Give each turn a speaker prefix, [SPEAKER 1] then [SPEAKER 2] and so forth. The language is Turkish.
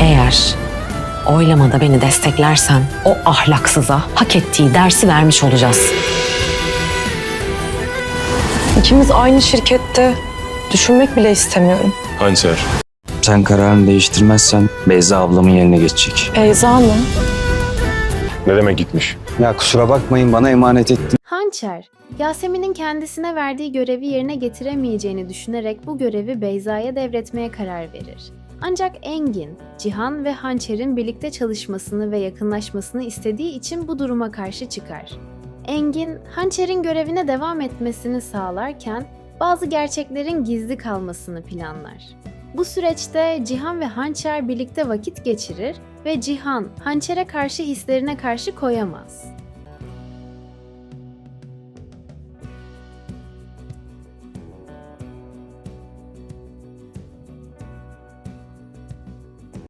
[SPEAKER 1] Eğer oylamada beni desteklersen o ahlaksıza hak ettiği dersi vermiş olacağız.
[SPEAKER 2] İkimiz aynı şirkette. Düşünmek bile istemiyorum.
[SPEAKER 3] Hançer.
[SPEAKER 4] Sen kararını değiştirmezsen Beyza ablamın yerine geçecek.
[SPEAKER 2] Beyza mı?
[SPEAKER 3] Ne demek gitmiş?
[SPEAKER 4] Ya kusura bakmayın, bana emanet ettin.
[SPEAKER 5] Hançer, Yasemin'in kendisine verdiği görevi yerine getiremeyeceğini düşünerek bu görevi Beyza'ya devretmeye karar verir. Ancak Engin, Cihan ve Hançer'in birlikte çalışmasını ve yakınlaşmasını istediği için bu duruma karşı çıkar. Engin, Hançer'in görevine devam etmesini sağlarken bazı gerçeklerin gizli kalmasını planlar. Bu süreçte Cihan ve Hançer birlikte vakit geçirir ve Cihan, Hançer'e karşı hislerine karşı koyamaz.